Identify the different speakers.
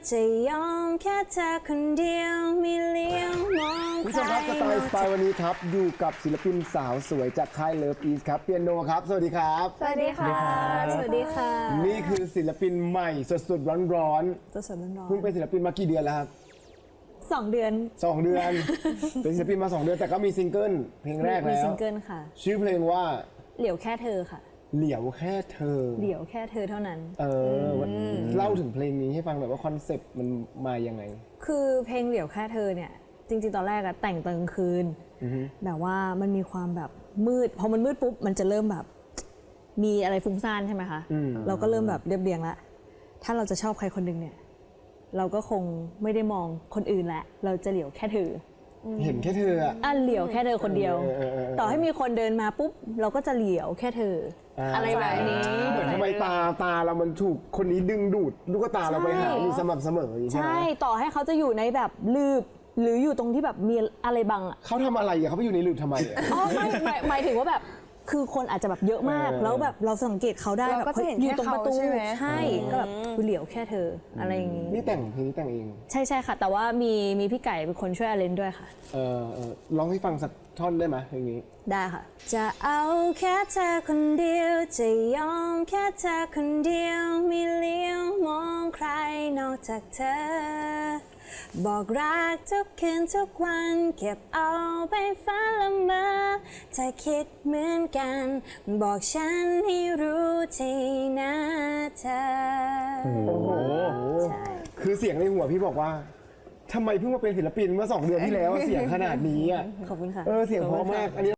Speaker 1: จะยอมแค่เธอคนเดียวไม่เลี้ยวมองใคร
Speaker 2: ผู้ชมครับสไตล์วันนี้ครับอยู่กับศิลปินสาวสวยจากค่ายเลิฟอีสครับเปียโนครับสวัสดีครับ
Speaker 1: สวัสดีค่ะ สวัสดีค่ะ
Speaker 2: นี่คือศิลปินใหม่สดๆร้อน
Speaker 1: ตัวสดร้อ
Speaker 2: ๆเพิ่งเป็นศิลปินมากี่เดือนแล้วครับ
Speaker 1: น2 เดือน
Speaker 2: 2 เดือน เป็นศิลปินมา 2 เดือนแต่ก็มีซิงเกิลเพลงแรก
Speaker 1: มี
Speaker 2: แล้ว
Speaker 1: ซิงเกิลค่ะ
Speaker 2: ชื่อเพลงว่า
Speaker 1: เหลียวแค่เธอค่ะ
Speaker 2: เหลียวแค่เธอ
Speaker 1: เหลียวแค่เธอเท่านั้น
Speaker 2: เล่าถึงเพลงนี้ให้ฟังหน่อยว่าคอนเซปต์มันมายังไง
Speaker 1: คือเพลงเหลียวแค่เธอเนี่ย จริงๆ ตอนแรกอะแต่งตอนกลางคืนแบบว่ามันมีความแบบมืด พอมันมืดปุ๊บมันจะเริ่มแบบมีอะไรฟุ้งซ่านใช่ไหมคะ เราก็เริ่มแบบเรียบเรียงละถ้าเราจะชอบใครคนหนึ่งเนี่ย เราก็คงไม่ได้มองคนอื่นแล้วเราจะเหลียวแค่เธอ
Speaker 2: เห็นแค่เธออะ
Speaker 1: เหลียวแค่เธอคนเดียว ต่อให้มีคนเดินมาปุ๊บเราก็จะเหลียวแค่เธออะไรแบบนี้
Speaker 2: เหมือนทำไมตาเรามันถูกคนนี้ดึงดูดลูกตาเราไปหาอยู่สม่ำเสมออย่างนี้ใช่ไหม
Speaker 1: ใช่ต่อให้เขาจะอยู่ในแบบลืบหรืออยู่ตรงที่แบบมีอะไรบังอ่ะ
Speaker 2: เขาทำอะไรอะเขาไปอยู่ในหลืบทำไมอะ
Speaker 1: อ๋อไม่หมายถึงว่าแบบคือคนอาจจะแบบเยอะมาก แล้วแบบเราสังเกตเขาได้
Speaker 3: เรา
Speaker 1: แบบ
Speaker 3: ก็จะเห็น
Speaker 1: อยู่ตรงประตู
Speaker 3: แค่เขาใช่ไหม
Speaker 1: ใช่ก็แบบเหลียวแค่เธออะไรอย่างงี้
Speaker 2: นี่แต่งเพลงนี้แต่งเอง
Speaker 1: ใช่ค่ะ แต่ว่ามีพี่ไก่เป็นคนช่วยอาเลนด้วยค่ะ
Speaker 2: ร้องให้ฟังสักท่อนได้ไหมเพลงนี้
Speaker 1: ได้ค่ะ จะเอาแค่เธอคนเดียวจะยอมแค่เธอคนเดียวไม่เลี้ยวมองใครนอกจากเธอ บอกรักทุกคืนทุกวันเก็บเอาไปฝันละเมอถ้าคิดเหมือนกัน บอกฉันให้รู้ทีนะเธอ
Speaker 2: โอ้โห
Speaker 1: ใช่
Speaker 2: คือเสียงในหัวพี่บอกว่าทำไมเพิ่งมาเป็นศิลปินเมื่อ2 เดือนที่แล้วเสียงขนาดนี้อ่ะ
Speaker 1: ขอบคุณค่ะ
Speaker 2: เสียงเพราะมากอันนี้